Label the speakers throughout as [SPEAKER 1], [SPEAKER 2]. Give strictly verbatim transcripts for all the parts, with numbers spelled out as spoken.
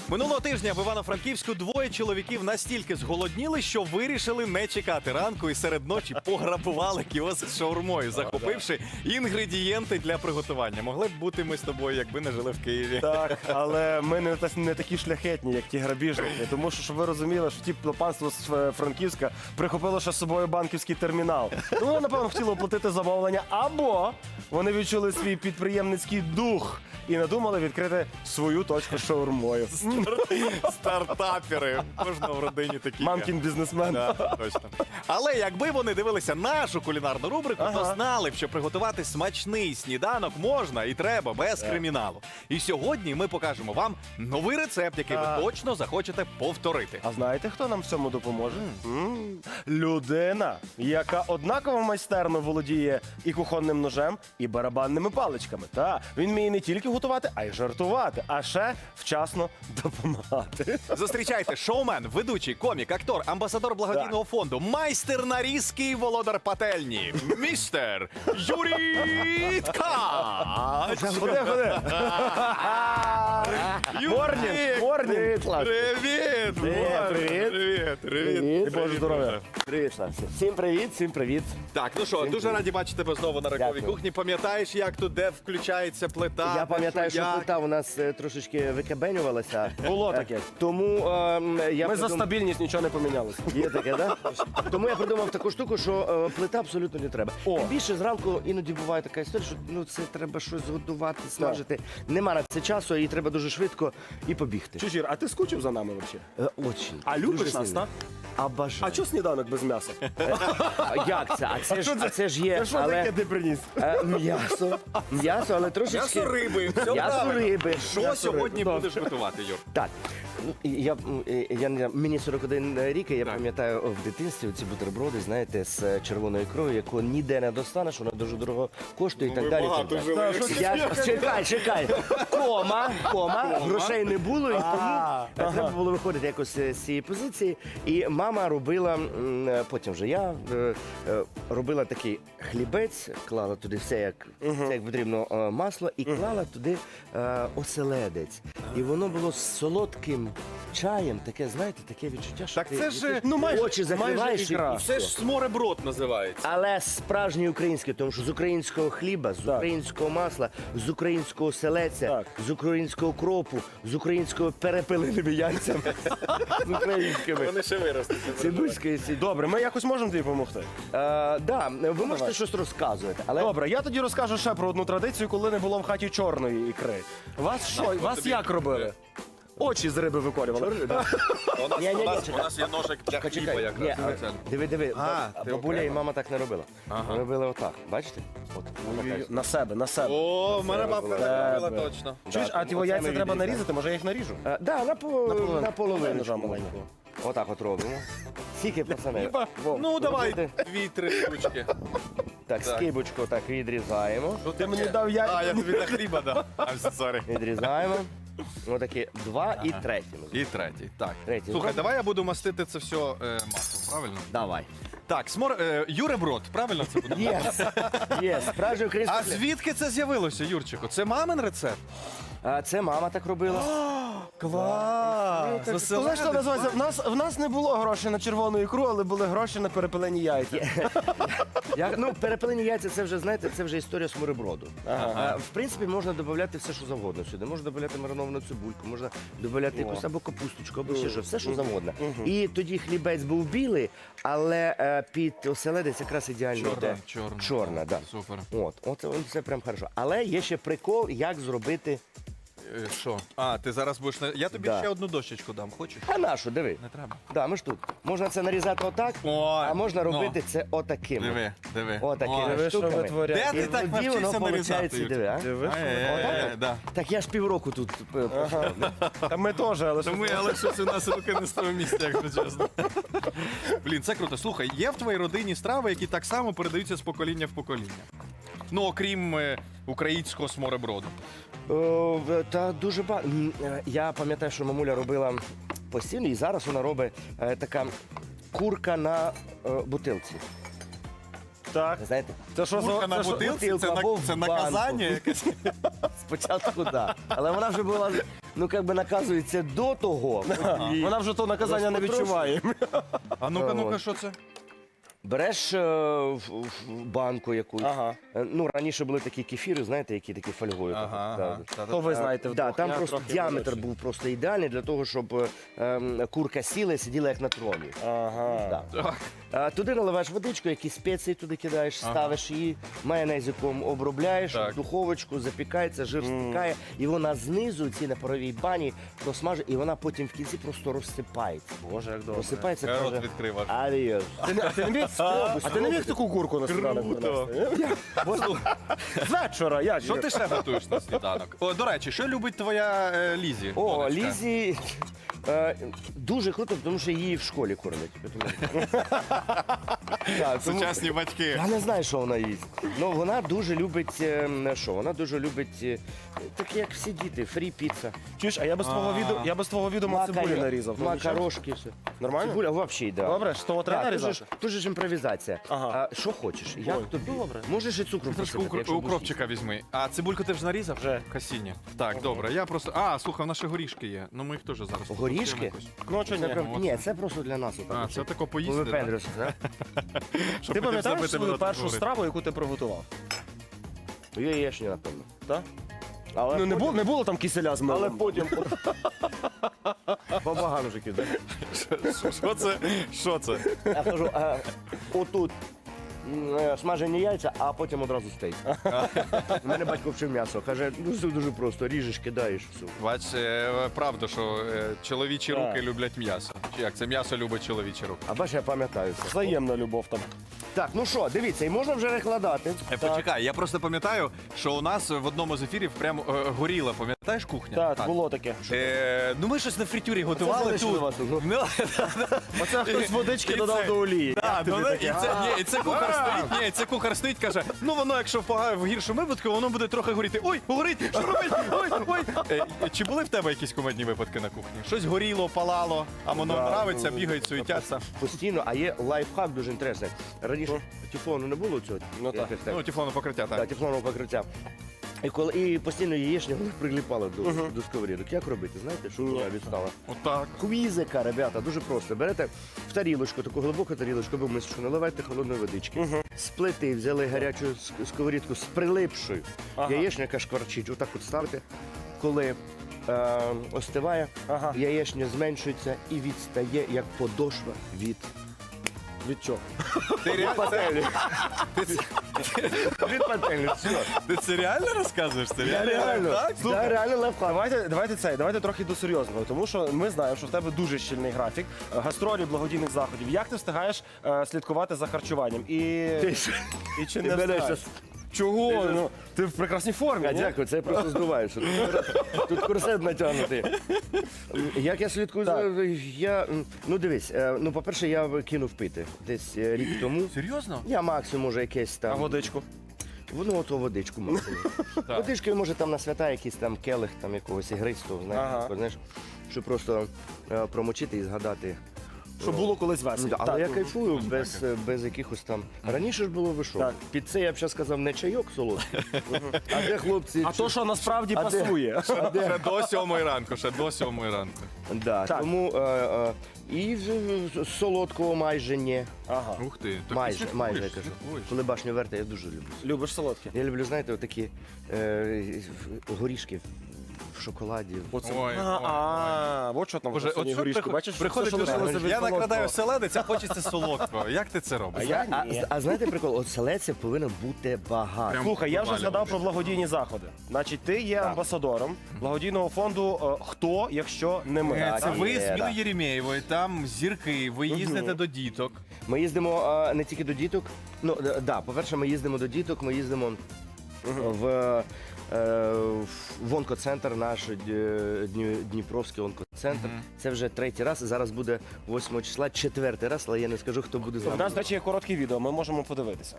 [SPEAKER 1] Минулого тижня в Івано-Франківську двоє чоловіків настільки зголодніли, що вирішили не чекати ранку і серед ночі пограбували кіоск з шаурмою, захопивши інгредієнти для приготування. Могли б бути ми з тобою, якби не жили в Києві.
[SPEAKER 2] Так, але ми не, та- не такі шляхетні, як ті грабіжники. Тому що, щоб ви розуміли, що ті панство з е, Франківська прихопило ще з собою банківський термінал. Тому вони, напевно, хотіли оплатити замовлення, або вони відчули свій підприємницький дух і надумали відкрити свою точку з шаурмою.
[SPEAKER 1] Стартапери. Кожного в родині такі. є.
[SPEAKER 2] Мамкін бізнесмен.
[SPEAKER 1] Да, точно. Але якби вони дивилися нашу кулінарну рубрику, то
[SPEAKER 2] Ага.
[SPEAKER 1] знали б, що приготувати смачний сніданок можна і треба без криміналу. І сьогодні ми покажемо вам новий рецепт, який
[SPEAKER 2] Так.
[SPEAKER 1] ви точно захочете повторити.
[SPEAKER 2] А знаєте, хто нам в цьому допоможе? М, Людина, яка однаково майстерно володіє і кухонним ножем, і барабанними паличками. Та він вміє не тільки готувати, а й жартувати, а ще вчасно допомагати.
[SPEAKER 1] Зустрічайте шоумен, ведучий, комік, актор, амбасадор благодійного фонду, майстер нарізки і володар пательні, містер Юрій Ткач.
[SPEAKER 2] Ходи, ходи. Морнінг, морнінг.
[SPEAKER 1] Привіт!
[SPEAKER 2] Привіт, привіт.
[SPEAKER 1] Привіт!
[SPEAKER 2] Привіт, Боже здоров'я.
[SPEAKER 3] Привіт, Славці. Всім привіт, всім привіт.
[SPEAKER 1] Так, ну що, дуже раді бачити тебе знову на ранковій
[SPEAKER 3] Дякую.
[SPEAKER 1] кухні. Пам'ятаєш, як тут, де включається плита?
[SPEAKER 3] Я
[SPEAKER 1] де
[SPEAKER 3] пам'ятаю, що
[SPEAKER 1] як?
[SPEAKER 3] плита у нас е, трошечки викабенювалася.
[SPEAKER 2] Було
[SPEAKER 3] Е,
[SPEAKER 2] таке.
[SPEAKER 3] Тому ем, я
[SPEAKER 2] Ми за
[SPEAKER 3] придум-
[SPEAKER 2] стабільність нічого не помінялося.
[SPEAKER 3] Є таке, да? Тому я придумав таку штуку, що е, плита абсолютно не треба.
[SPEAKER 2] О.
[SPEAKER 3] Тим більше зранку іноді буває така історія, що ну це треба щось готувати, смажити. Нема на це часу, і треба дуже швидко і побігти.
[SPEAKER 2] Чужір, а ти скучив за нами взагалі?
[SPEAKER 3] Е, Очень.
[SPEAKER 2] А любиш
[SPEAKER 3] Дуже
[SPEAKER 2] нас,
[SPEAKER 3] сильно.
[SPEAKER 2] так?
[SPEAKER 3] А бажаю.
[SPEAKER 2] А чого сніданок без м'яса?
[SPEAKER 3] А як це? А це ж, а це ж є.
[SPEAKER 2] Це що
[SPEAKER 3] але...
[SPEAKER 2] таке ти приніс?
[SPEAKER 3] Е, М'ясо. М'ясо, але трошечки...
[SPEAKER 1] М'ясо риби, все
[SPEAKER 3] М'ясо
[SPEAKER 1] правильно.
[SPEAKER 3] риби.
[SPEAKER 1] Що
[SPEAKER 3] М'ясо
[SPEAKER 1] сьогодні
[SPEAKER 3] риби.
[SPEAKER 1] будеш готувати, Юр?
[SPEAKER 3] Так. Ну, і Я, м, і я, не- мені сорок один рік, і я
[SPEAKER 1] Так.
[SPEAKER 3] пам'ятаю в дитинстві ці бутерброди, знаєте, з червоною ікрою, яку ніде не достанеш, вона дуже дорого коштує і так далі. і так далі.
[SPEAKER 1] жили.
[SPEAKER 3] Я, чекай, чекай. Кома, кома, грошей не було, і тому
[SPEAKER 2] А,
[SPEAKER 3] е, треба було виходити якось е, з цієї позиції. І мама робила, м, е, потім вже я е, е, робила такий хлібець, клала туди все, як, все, як потрібно, е, масло, і клала туди е, оселедець. І воно було з солодким чаєм, таке, знаєте, таке відчуття, що
[SPEAKER 1] Так
[SPEAKER 3] ти,
[SPEAKER 1] це ж,
[SPEAKER 3] ти
[SPEAKER 2] ну, майже-
[SPEAKER 3] очі
[SPEAKER 2] майже
[SPEAKER 3] закриваєш і,
[SPEAKER 2] ікра.
[SPEAKER 3] і
[SPEAKER 1] Це
[SPEAKER 3] все.
[SPEAKER 1] ж смореброд називається.
[SPEAKER 3] Але справжній український, тому що з українського хліба, з
[SPEAKER 2] Так.
[SPEAKER 3] українського масла, з українського селеця,
[SPEAKER 2] Так.
[SPEAKER 3] з українського кропу, з українського перепиленими яйцями, з українськими.
[SPEAKER 1] Вони ще виростуть.
[SPEAKER 3] Цибульської сі.
[SPEAKER 2] Добре, ми якось можемо тобі допомогти.
[SPEAKER 3] Е, да, ви можете
[SPEAKER 2] давай.
[SPEAKER 3] щось розказувати, але
[SPEAKER 2] Добре, я тоді розкажу ще про одну традицію, коли не було в хаті чорної ікри. Вас що? Вас
[SPEAKER 1] тобі
[SPEAKER 2] як робили? Очі з риби викорювали.
[SPEAKER 1] У нас,
[SPEAKER 3] Ні, ні,
[SPEAKER 1] у
[SPEAKER 3] ні,
[SPEAKER 1] нас,
[SPEAKER 3] чекай.
[SPEAKER 1] у нас є ножик для хліба
[SPEAKER 3] Чекай, ні,
[SPEAKER 1] якраз.
[SPEAKER 3] а,
[SPEAKER 1] спеціально.
[SPEAKER 3] диви, диви,
[SPEAKER 1] А,
[SPEAKER 3] баб-
[SPEAKER 1] ти
[SPEAKER 3] бабуля і
[SPEAKER 1] окремо.
[SPEAKER 3] мама так не робила.
[SPEAKER 1] Ага.
[SPEAKER 3] Вони робили отак, бачите? От, отак.
[SPEAKER 2] На себе, на себе.
[SPEAKER 1] О, в мене бабка так робила
[SPEAKER 2] Тебе.
[SPEAKER 1] точно.
[SPEAKER 2] Чуєш, а
[SPEAKER 3] тому
[SPEAKER 2] ті
[SPEAKER 3] оце
[SPEAKER 2] яйця
[SPEAKER 3] ми
[SPEAKER 2] треба
[SPEAKER 3] відрізаємо.
[SPEAKER 2] нарізати, може я їх наріжу?
[SPEAKER 3] Е, Да, на, по,
[SPEAKER 2] Наполовину.
[SPEAKER 3] на половину.
[SPEAKER 2] Ножа маленького.
[SPEAKER 3] Отак от робимо. Скільки, пацани? Вов,
[SPEAKER 1] Ну, давай
[SPEAKER 3] робите?
[SPEAKER 1] дві-три штучки.
[SPEAKER 3] Так, скибочку так відрізаємо.
[SPEAKER 2] Ти мені дав яйця.
[SPEAKER 1] А, я тобі на хліба дав. I'm sorry.
[SPEAKER 3] Відрізаємо. Отакі два і третій.
[SPEAKER 1] І третій, так.
[SPEAKER 3] Третій.
[SPEAKER 1] Слухай, давай я буду мастити це все е, маслом, правильно?
[SPEAKER 3] Давай.
[SPEAKER 1] Так, смор... Е, Юреброд, правильно це буде?
[SPEAKER 3] Єс. Єс. Справжній український
[SPEAKER 1] А
[SPEAKER 3] хліб.
[SPEAKER 1] звідки це з'явилося, Юрчику? Це мамин рецепт?
[SPEAKER 3] А, Це мама так робила.
[SPEAKER 1] Клас!
[SPEAKER 2] Ти знаєш, що називається? В нас, в нас не було грошей на червону ікру, але були гроші на перепелені яйця.
[SPEAKER 3] Я, ну, перепелені яйця, це вже, знаєте, це вже історія смореброду.
[SPEAKER 2] Ага.
[SPEAKER 3] А, в принципі, можна додати все, що завгодно сюди. Можна додати мариновану цибульку, можна додати якусь або капусточку, або ще що, все, що завгодно. І тоді хлібець був білий, але е, під оселедець якраз ідеально
[SPEAKER 1] Чорна,
[SPEAKER 3] йде.
[SPEAKER 1] чорна.
[SPEAKER 3] Чорна, да.
[SPEAKER 1] Супер.
[SPEAKER 3] От, от, от це прям хорошо. Але є ще прикол, як зробити.
[SPEAKER 1] Е, Що? А, ти зараз будеш... на- Я тобі
[SPEAKER 3] Да.
[SPEAKER 1] ще одну дощечку дам, хочеш?
[SPEAKER 3] А нашу, диви.
[SPEAKER 1] Не треба.
[SPEAKER 3] Да, ми ж тут. Можна це нарізати отак,
[SPEAKER 1] Ой,
[SPEAKER 3] а можна
[SPEAKER 1] ну.
[SPEAKER 3] робити це отаким.
[SPEAKER 1] Диви, диви.
[SPEAKER 3] Отакими
[SPEAKER 1] Ой.
[SPEAKER 2] Диви, що
[SPEAKER 3] штуками.
[SPEAKER 2] витворяє.
[SPEAKER 1] Де ти
[SPEAKER 3] І
[SPEAKER 1] так
[SPEAKER 3] тоді воно
[SPEAKER 1] навчився нарізати,
[SPEAKER 3] получається,
[SPEAKER 1] Юрчик?
[SPEAKER 3] диви, а?
[SPEAKER 2] Диви, що
[SPEAKER 1] Е, да.
[SPEAKER 3] Так я ж півроку тут е, пройшов.
[SPEAKER 2] Та ми теж, але що
[SPEAKER 1] Тому, але щось у нас руки не з того місця, якщо чесно. Блін, це круто. Слухай, є в твоїй родині страви, які так само передаються з покоління в покоління? Ну, окрім е, українського смореброду.
[SPEAKER 3] О, в- Та дуже багато. Я пам'ятаю, що мамуля робила постійно, і зараз вона робить е, така курка на е, бутилці.
[SPEAKER 2] Так.
[SPEAKER 3] Знаєте?
[SPEAKER 2] Це що за...
[SPEAKER 1] Курка на
[SPEAKER 2] це що-
[SPEAKER 1] бутилці,
[SPEAKER 3] бутилку
[SPEAKER 1] це, на-
[SPEAKER 3] або в
[SPEAKER 1] це
[SPEAKER 3] банку.
[SPEAKER 1] наказання якесь.
[SPEAKER 3] Спочатку, так. Але вона вже була ну як би наказується до того. І
[SPEAKER 2] Вона вже то наказання не
[SPEAKER 3] Потрошку.
[SPEAKER 2] відчуває.
[SPEAKER 1] А ну-ка, ну-ка,
[SPEAKER 3] От.
[SPEAKER 1] що це?
[SPEAKER 3] Береш е, в, в банку якусь.
[SPEAKER 2] Ага.
[SPEAKER 3] Е, Ну, раніше були такі кефіри, знаєте, які такі фольгою.
[SPEAKER 1] Ага,
[SPEAKER 3] так,
[SPEAKER 1] ага.
[SPEAKER 3] так.
[SPEAKER 1] Та-та-та.
[SPEAKER 2] То ви знаєте,
[SPEAKER 3] Да,
[SPEAKER 2] вдвох.
[SPEAKER 3] там
[SPEAKER 2] Я
[SPEAKER 3] просто
[SPEAKER 2] трохи
[SPEAKER 3] діаметр
[SPEAKER 2] молодший.
[SPEAKER 3] був просто ідеальний для того, щоб е, ем, курка сіла і сиділа як на троні.
[SPEAKER 2] Ага.
[SPEAKER 3] Да.
[SPEAKER 1] Так.
[SPEAKER 3] А, туди наливаєш водичку, якісь спеції туди кидаєш,
[SPEAKER 1] Ага.
[SPEAKER 3] ставиш її, майонезиком обробляєш,
[SPEAKER 1] Так.
[SPEAKER 3] в духовочку, запікається, жир стікає, і вона знизу, ці на паровій бані, просмажить, і вона потім в кінці просто розсипається.
[SPEAKER 2] Боже, як добре.
[SPEAKER 3] Розсипається,
[SPEAKER 1] Я рот
[SPEAKER 3] каже,
[SPEAKER 1] відкрив аж.
[SPEAKER 3] адіос.
[SPEAKER 2] Ти не- А ти не міг а ти не міг таку курку на сніданок
[SPEAKER 1] Круто.
[SPEAKER 2] принести? З вечора, я
[SPEAKER 1] Що ти ще готуєш на сніданок? О, до речі, що любить твоя е, Лізі?
[SPEAKER 3] О,
[SPEAKER 1] донечка?
[SPEAKER 3] Лізі е, дуже круто, тому що її в школі кормять. Тому- Так, тому-
[SPEAKER 1] Сучасні батьки.
[SPEAKER 3] Я не знаю, що вона їсть. Ну вона дуже любить е, що? Вона дуже любить е, так як всі діти, фрі піца.
[SPEAKER 2] Чуєш, а я без твого
[SPEAKER 1] А.
[SPEAKER 2] відео, я без твого відео цибулі нарізав. Ну, нічого?
[SPEAKER 3] Макарошки, все.
[SPEAKER 2] Нормально?
[SPEAKER 3] Цибуля взагалі, да.
[SPEAKER 2] Добре, з того треба
[SPEAKER 3] Так, тут же
[SPEAKER 2] нарізати?
[SPEAKER 3] ж- тут же ж імпровізація.
[SPEAKER 2] Ага.
[SPEAKER 3] А що хочеш? Як
[SPEAKER 2] Ой,
[SPEAKER 3] тобі?
[SPEAKER 2] добре.
[SPEAKER 3] Можеш і цукру
[SPEAKER 1] Трошки
[SPEAKER 3] посипати,
[SPEAKER 1] укр-
[SPEAKER 3] якщо будеш
[SPEAKER 1] укропчика візьми. А цибульку ти вже нарізав?
[SPEAKER 2] Вже.
[SPEAKER 1] Касіння. Так, добре. Я просто. А, слухай, в нас ще горішки є. Ну ми їх теж зараз.
[SPEAKER 3] Горішки?
[SPEAKER 1] покупаємо якось.
[SPEAKER 2] Ну, а чого
[SPEAKER 3] Це
[SPEAKER 2] ні?
[SPEAKER 3] прям- Ні, це просто для нас. отак
[SPEAKER 1] А,
[SPEAKER 3] от,
[SPEAKER 1] це
[SPEAKER 3] щоб
[SPEAKER 1] тако поїсти. да?
[SPEAKER 3] повипендрюватися, да?
[SPEAKER 1] Щоб
[SPEAKER 2] Ти
[SPEAKER 1] потім
[SPEAKER 2] пам'ятаєш
[SPEAKER 1] забити
[SPEAKER 2] свою
[SPEAKER 1] мене
[SPEAKER 2] першу
[SPEAKER 1] журити.
[SPEAKER 2] страву, яку ти приготував?
[SPEAKER 3] Яєчня, напевно.
[SPEAKER 2] Так?
[SPEAKER 3] Але
[SPEAKER 2] Ну, не
[SPEAKER 3] потім-
[SPEAKER 2] було, не було там киселя з милом.
[SPEAKER 3] Але потім... Побаганжики, так?
[SPEAKER 1] Що це? Що це?
[SPEAKER 3] Я кажу, а, отут м, е, смажені яйця, а потім одразу стейк. У мене батько вчив м'ясо. Каже, ну все дуже просто, ріжеш, кидаєш, все.
[SPEAKER 1] Бач, е, правда, що е, чоловічі
[SPEAKER 2] Так.
[SPEAKER 1] руки люблять м'ясо. Чи як? Це м'ясо любить чоловічі руки.
[SPEAKER 3] А бачиш, я пам'ятаю це.
[SPEAKER 2] Взаємна любов там.
[SPEAKER 3] Так, ну що, дивіться, і можна вже перекладати.
[SPEAKER 1] Е, Почекай, я просто пам'ятаю, що у нас в одному з ефірів прямо е, горіла, пам'ятаєш кухня?
[SPEAKER 2] Так, було таке.
[SPEAKER 1] Е, ну ми щось на фритюрі готували
[SPEAKER 3] залишили
[SPEAKER 1] тут.
[SPEAKER 3] вас тут, ну.
[SPEAKER 1] Ну,
[SPEAKER 2] Оце хтось водички
[SPEAKER 1] І
[SPEAKER 2] додав
[SPEAKER 1] це-
[SPEAKER 2] до олії.
[SPEAKER 1] Так, ну,
[SPEAKER 2] тобі
[SPEAKER 1] і
[SPEAKER 2] таке?
[SPEAKER 1] це, ні, і це кухар стоїть, ні, це кухар стоїть, каже, ну воно, якщо в, пога- в гіршому випадку, воно буде трохи горіти. Ой, горить, що робить? Ой, ой. Е, чи були в тебе якісь кумедні випадки на кухні? Щось горіло, палало, а воно
[SPEAKER 3] Да,
[SPEAKER 1] нравиться,
[SPEAKER 3] ну,
[SPEAKER 1] бігають, суетяться.
[SPEAKER 3] Постійно, а є лайфхак дуже інтересний. Раніше тефлону не було цього.
[SPEAKER 2] Ну, так.
[SPEAKER 3] якось
[SPEAKER 1] Ну, тефлону покриття,
[SPEAKER 3] Так,
[SPEAKER 1] так.
[SPEAKER 3] тефлонового покриття. І, коли, і постійно яєчня вони приліпали до, до сковорідок. Як робити? Знаєте, що вона відстала?
[SPEAKER 1] Отак.
[SPEAKER 3] Квізика, ребята, дуже просто. Берете в тарілочку, таку глибоку тарілочку, або мисочку, наливайте холодної водички. З плити взяли гарячу ск- сковорідку з прилипшою.
[SPEAKER 2] Ага.
[SPEAKER 3] Яєчня, яка шкварчить, отак от ставте. Коли е, остиває,
[SPEAKER 2] Ага.
[SPEAKER 3] яєчня зменшується і відстає, як подошва від
[SPEAKER 2] Від чого?
[SPEAKER 1] Ти, ре-
[SPEAKER 3] пательні. Від пательні, все.
[SPEAKER 1] ти це реально розказуєш? Це
[SPEAKER 3] Я реально,
[SPEAKER 1] Так?
[SPEAKER 3] да, реально лайфхак.
[SPEAKER 2] Давайте, давайте це, давайте трохи до серйозного, тому що ми знаємо, що в тебе дуже щільний графік, е, гастролі, благодійних заходів. Як ти встигаєш е, слідкувати за харчуванням? І,
[SPEAKER 3] Ти ж-
[SPEAKER 2] і чи
[SPEAKER 3] ти
[SPEAKER 2] не
[SPEAKER 3] береш
[SPEAKER 2] встигаєш?
[SPEAKER 3] щас-
[SPEAKER 2] Чого?
[SPEAKER 3] Ти ж-
[SPEAKER 2] Ну, ти в прекрасній формі.
[SPEAKER 3] А,
[SPEAKER 2] ні?
[SPEAKER 3] дякую, це я просто здуваю. Що тут, тут корсет натягнутий. Як я слідкую за. Я, м, ну дивись, е, ну по-перше, я кинув пити десь е, рік тому.
[SPEAKER 1] Серйозно?
[SPEAKER 3] Я максимум може якесь
[SPEAKER 2] А
[SPEAKER 3] там.
[SPEAKER 2] водичку?
[SPEAKER 3] Ну, ото водичку максимум. Водички, може там на свята якийсь там келих там якогось ігристого, знаєш,
[SPEAKER 2] Ага.
[SPEAKER 3] такого, знаєш, щоб просто е, промочити і згадати.
[SPEAKER 2] Що було колись
[SPEAKER 3] Ну,
[SPEAKER 2] весело.
[SPEAKER 3] да, але я
[SPEAKER 2] Так.
[SPEAKER 3] кайфую без, е, без якихось там. Раніше ж було ви що?
[SPEAKER 2] Так.
[SPEAKER 3] Під це я б ще сказав не чайок солодкий. А де хлопці?
[SPEAKER 2] А то, що насправді
[SPEAKER 3] А де?
[SPEAKER 2] пасує.
[SPEAKER 1] Ще до сьомої ранку, ще до сьомої ранку.
[SPEAKER 3] Да,
[SPEAKER 2] Так.
[SPEAKER 3] тому е, е, і в- в- солодкого майже ні.
[SPEAKER 2] Ага.
[SPEAKER 1] Ух ти. так ти
[SPEAKER 3] Майже,
[SPEAKER 1] слідкуєш,
[SPEAKER 3] майже я кажу.
[SPEAKER 1] слідкуєш.
[SPEAKER 3] Коли башню верта, я дуже люблю.
[SPEAKER 2] Любиш солодке?
[SPEAKER 3] Я люблю, знаєте, отакі е, горішки в шоколаді.
[SPEAKER 2] Оце.
[SPEAKER 1] Ой,
[SPEAKER 2] а,
[SPEAKER 1] ой,
[SPEAKER 2] а, от що там
[SPEAKER 1] Боже,
[SPEAKER 2] в
[SPEAKER 1] от
[SPEAKER 2] останній
[SPEAKER 1] що
[SPEAKER 2] горішку.
[SPEAKER 1] приход-
[SPEAKER 2] Бачиш,
[SPEAKER 1] приходить
[SPEAKER 2] все, що
[SPEAKER 1] людина,
[SPEAKER 2] лишилося від
[SPEAKER 1] я
[SPEAKER 2] солодкого.
[SPEAKER 1] накладаю селедець, а хочеться солодкого. Як ти це робиш?
[SPEAKER 2] А я
[SPEAKER 3] А,
[SPEAKER 2] ні.
[SPEAKER 3] а знаєте прикол? От селеця повинно бути багато.
[SPEAKER 1] Прям
[SPEAKER 2] Слухай, я вже
[SPEAKER 1] повалювати.
[SPEAKER 2] згадав про благодійні заходи. Значить, ти є амбасадором благодійного фонду е, «Хто, якщо не ми».
[SPEAKER 1] Е,
[SPEAKER 3] Так,
[SPEAKER 1] Це ви
[SPEAKER 3] є,
[SPEAKER 1] з Мілою
[SPEAKER 3] да.
[SPEAKER 1] Єремєєвою, там зірки, ви їздите до діток.
[SPEAKER 3] Ми їздимо а, не тільки до діток. Ну, е, да, по-перше, ми їздимо до діток, ми їздимо в, е, в онкоцентр, наш е, Дні- Дніпровський онкоцентр. Це вже третій раз. Зараз буде восьмого числа, четвертий раз, але я не скажу, хто буде з
[SPEAKER 2] У нас,
[SPEAKER 3] нами.
[SPEAKER 2] до речі, є коротке відео, ми можемо подивитися.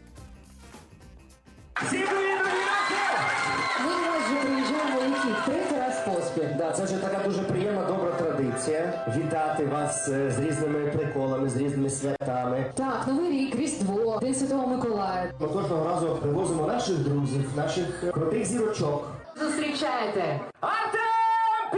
[SPEAKER 4] Ми вже приїжджаємо який третій раз поспіль.
[SPEAKER 5] Да, це вже така дуже приємна, добра традиція. Вітати вас е, з різними приколами, з різними святами.
[SPEAKER 4] Так, Новий рік, Різдво, День Святого Миколая.
[SPEAKER 5] Ми кожного разу привозимо наших друзів, наших е, крутих зірочок.
[SPEAKER 4] Зустрічайте!
[SPEAKER 5] Артем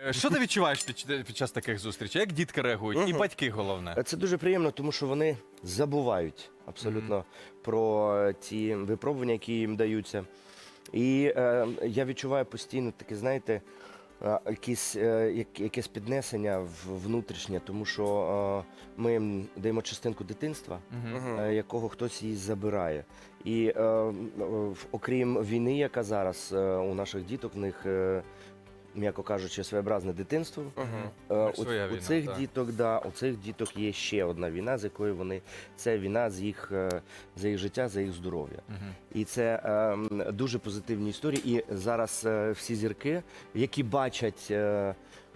[SPEAKER 1] Що ти відчуваєш під, під час таких зустрічей? Як дітки реагують? І батьки, головне.
[SPEAKER 3] Це дуже приємно, тому що вони забувають абсолютно про ті випробування, які їм даються. І е, я відчуваю постійно таке, знаєте, е, якісь, е, як- якесь піднесення в- внутрішнє, тому що е, ми їм даємо частинку дитинства, е, якого хтось її забирає. І е, е, в- окрім війни, яка зараз е, у наших діток, в них, е, м'яко кажучи, своєобразне дитинство. Е, у,
[SPEAKER 1] Своя
[SPEAKER 3] у
[SPEAKER 1] війна,
[SPEAKER 3] цих
[SPEAKER 1] так.
[SPEAKER 3] діток, да, у цих діток є ще одна війна, з якою вони це війна з їх е, за їх життя, за їх здоров'я. І це е, м, дуже позитивні історії. І зараз е, всі зірки, які бачать. Е,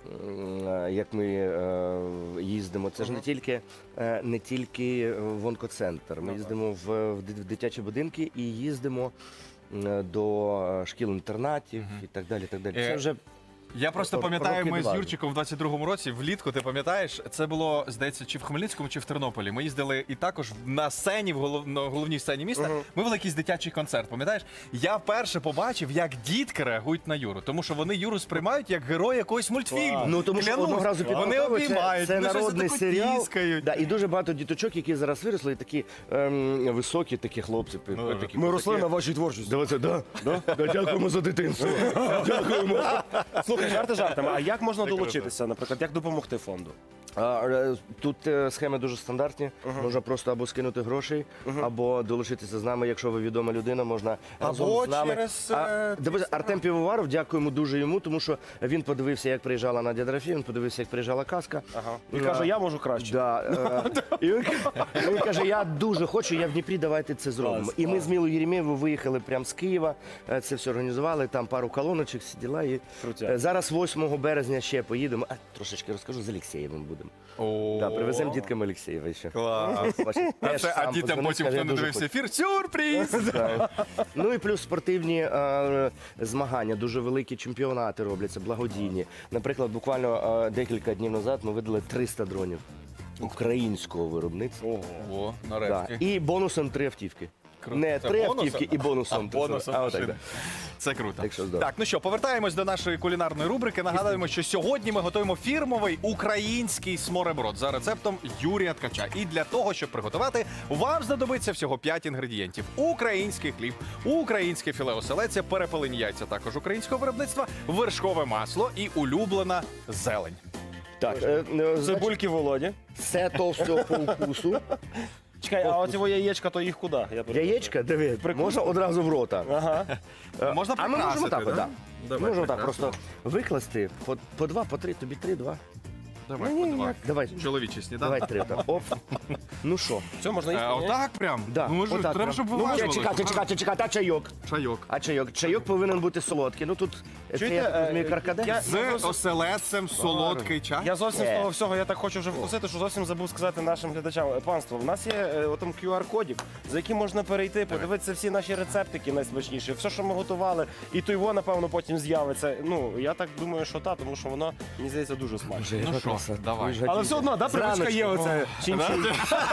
[SPEAKER 3] м, е, Як ми е, їздимо, це ж не тільки е, не тільки в онкоцентр. Ми їздимо в, в ди- в дитячі будинки і їздимо м, до шкіл-інтернатів і так далі. Так далі. Це
[SPEAKER 1] Е,
[SPEAKER 3] вже
[SPEAKER 1] Я просто
[SPEAKER 3] Ро-
[SPEAKER 1] пам'ятаю,
[SPEAKER 3] роки
[SPEAKER 1] ми з
[SPEAKER 3] два.
[SPEAKER 1] Юрчиком в двадцять другому році, влітку, ти пам'ятаєш, це було, здається, чи в Хмельницькому, чи в Тернополі. Ми їздили і також на сцені, в голов... на головній сцені міста, ми вели якийсь дитячий концерт, пам'ятаєш? Я вперше побачив, як дітки реагують на Юру, тому що вони Юру сприймають як героя якогось мультфільму.
[SPEAKER 3] Ну тому що
[SPEAKER 1] Клянусь,
[SPEAKER 3] одного разу під
[SPEAKER 1] вони
[SPEAKER 3] Полтавою
[SPEAKER 1] обіймають,
[SPEAKER 3] це, це
[SPEAKER 1] вони щось
[SPEAKER 3] народний
[SPEAKER 1] таку
[SPEAKER 3] серіал.
[SPEAKER 1] тіскають.
[SPEAKER 3] Да, і дуже багато діточок, які зараз виросли, і такі ем, високі, такі хлопці.
[SPEAKER 1] Ну,
[SPEAKER 3] такі,
[SPEAKER 2] Ми росли
[SPEAKER 3] такі.
[SPEAKER 2] на вашій творчості.
[SPEAKER 3] Давайте, да, да, да, дякуємо за дитинство. Дякуємо.
[SPEAKER 2] Слухай, жарти жартами. А як можна долучитися, наприклад, як допомогти фонду?
[SPEAKER 3] А, е, Тут е, схеми дуже стандартні. Можна просто або скинути грошей, або долучитися з нами, якщо ви відома людина, можна разом
[SPEAKER 1] Або
[SPEAKER 3] з нами.
[SPEAKER 1] через,
[SPEAKER 3] А,
[SPEAKER 1] е,
[SPEAKER 3] дивись, Артем Півоваров, дякуємо дуже йому, тому що він подивився, як приїжджала Надя Дорофєєва, він подивився, як приїжджала казка.
[SPEAKER 2] Ага. І
[SPEAKER 3] Да.
[SPEAKER 2] каже, я можу краще.
[SPEAKER 3] Да, е, і він, він каже, я дуже хочу, я в Дніпрі, давайте це зробимо.
[SPEAKER 2] Клас,
[SPEAKER 3] І ми з Мілою Єремєєвою виїхали прямо з Києва, е, це все організували, там пару колоночок сиділа. І
[SPEAKER 2] Крутяк.
[SPEAKER 3] е, зараз восьмого березня ще поїдемо. А, трошечки розкажу, з Олексєєвим будемо.
[SPEAKER 1] О,
[SPEAKER 3] Да, привеземо діткам Олексєєва ще.
[SPEAKER 1] Клас.
[SPEAKER 3] Бачиш,
[SPEAKER 1] А,
[SPEAKER 3] теж
[SPEAKER 1] це, а
[SPEAKER 3] сам
[SPEAKER 1] дітям
[SPEAKER 3] подзвонив,
[SPEAKER 1] потім,
[SPEAKER 3] скаже,
[SPEAKER 1] хто
[SPEAKER 3] я
[SPEAKER 1] не
[SPEAKER 3] дуже
[SPEAKER 1] дивився
[SPEAKER 3] хочу.
[SPEAKER 1] ефір, сюрприз!
[SPEAKER 3] Да. Ну і плюс спортивні е, змагання, дуже великі чемпіонати робляться, благодійні. Наприклад, буквально е, декілька днів назад ми видали триста дронів українського виробництва.
[SPEAKER 2] Ого.
[SPEAKER 1] О,
[SPEAKER 3] Да.
[SPEAKER 1] нарешті.
[SPEAKER 3] І бонусом три автівки.
[SPEAKER 1] Круто.
[SPEAKER 3] Не
[SPEAKER 1] Це
[SPEAKER 3] три
[SPEAKER 1] бонусом?
[SPEAKER 3] автівки і бонусом.
[SPEAKER 1] А бонусом
[SPEAKER 3] а, отак,
[SPEAKER 1] машина.
[SPEAKER 3] да.
[SPEAKER 1] Це круто.
[SPEAKER 3] Так що здорово.
[SPEAKER 1] Так, ну що, повертаємось до нашої кулінарної рубрики. Нагадуємо, що сьогодні ми готуємо фірмовий український смореброд за рецептом Юрія Ткача. І для того, щоб приготувати, вам знадобиться всього п'ять інгредієнтів: український хліб, українське філе оселедця, перепелені яйця також українського виробництва, вершкове масло і улюблена зелень.
[SPEAKER 3] Так, е, е, значить,
[SPEAKER 2] Цибульки Володі.
[SPEAKER 3] все товсто по вкусу.
[SPEAKER 2] Чекай, а оці яєчка, то їх куди? Я перепрошую.
[SPEAKER 3] Яєчка, диви, можна одразу в рота.
[SPEAKER 2] Ага.
[SPEAKER 3] Е,
[SPEAKER 1] Можна
[SPEAKER 3] а ми можемо
[SPEAKER 1] прикрасити,
[SPEAKER 3] так,
[SPEAKER 1] да?
[SPEAKER 3] от, да?
[SPEAKER 1] Давай,
[SPEAKER 3] Можемо так
[SPEAKER 1] прикрасимо.
[SPEAKER 3] просто викласти по, по два, по три, тобі три, два.
[SPEAKER 1] Давай,
[SPEAKER 3] Ні, ні,
[SPEAKER 1] подавай.
[SPEAKER 3] давай.
[SPEAKER 1] Чоловічий сніданок.
[SPEAKER 3] Давай три. Так. Оп. Ну що?
[SPEAKER 2] Все, можна їсти?
[SPEAKER 1] Е,
[SPEAKER 2] ні?
[SPEAKER 1] Отак прям?
[SPEAKER 3] Да,
[SPEAKER 1] Ну, може,
[SPEAKER 3] отак
[SPEAKER 1] треба,
[SPEAKER 3] прям.
[SPEAKER 1] щоб
[SPEAKER 3] Ну,
[SPEAKER 1] виважували.
[SPEAKER 3] чекайте, чекайте, чекайте, а чайок?
[SPEAKER 1] Чайок.
[SPEAKER 3] А чайок? Чайок повинен бути солодкий. Ну тут е, це,
[SPEAKER 2] Чуєте,
[SPEAKER 3] я так
[SPEAKER 2] е,
[SPEAKER 3] розумію, каркаде.
[SPEAKER 2] я-
[SPEAKER 1] З оселедцем солодкий чай.
[SPEAKER 2] Я зовсім з
[SPEAKER 3] Е.
[SPEAKER 2] того всього, я так хочу вже вкусити, що зовсім забув сказати нашим глядачам. Е, Панство, в нас є е, отам кю ар-кодик, за яким можна перейти, подивитися всі наші рецептики найсмачніші, все, що ми готували, і то його, напевно, потім з'явиться. Ну, я так думаю, що та, тому що воно, мені здається, дуже смачно.
[SPEAKER 1] Ну що, давай.
[SPEAKER 2] Але все одно, да, привичка є оце. Чин-чин.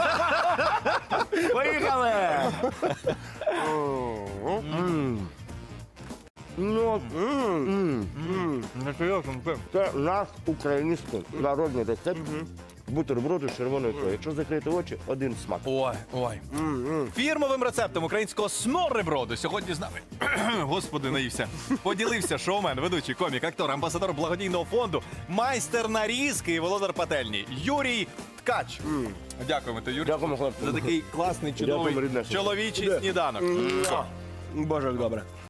[SPEAKER 3] Поїхали! Ну, м, це наш український народний рецепт. Бутерброди з червоною ікрою. Якщо закрити очі, один смак.
[SPEAKER 1] Ой, ой. Фірмовим рецептом українського смореброду сьогодні з нами. Господи, наївся. Поділився шоумен, ведучий, комік, актор, амбасадор благодійного фонду, майстер нарізки і володар пательні Юрій Ткач. Дякуємо тобі, Юрій,
[SPEAKER 3] Дякуємо, хлопці.
[SPEAKER 1] за такий класний,
[SPEAKER 3] Дякуємо,
[SPEAKER 1] чудовий
[SPEAKER 3] рідне.
[SPEAKER 1] чоловічий сніданок.
[SPEAKER 2] Боже, як добре.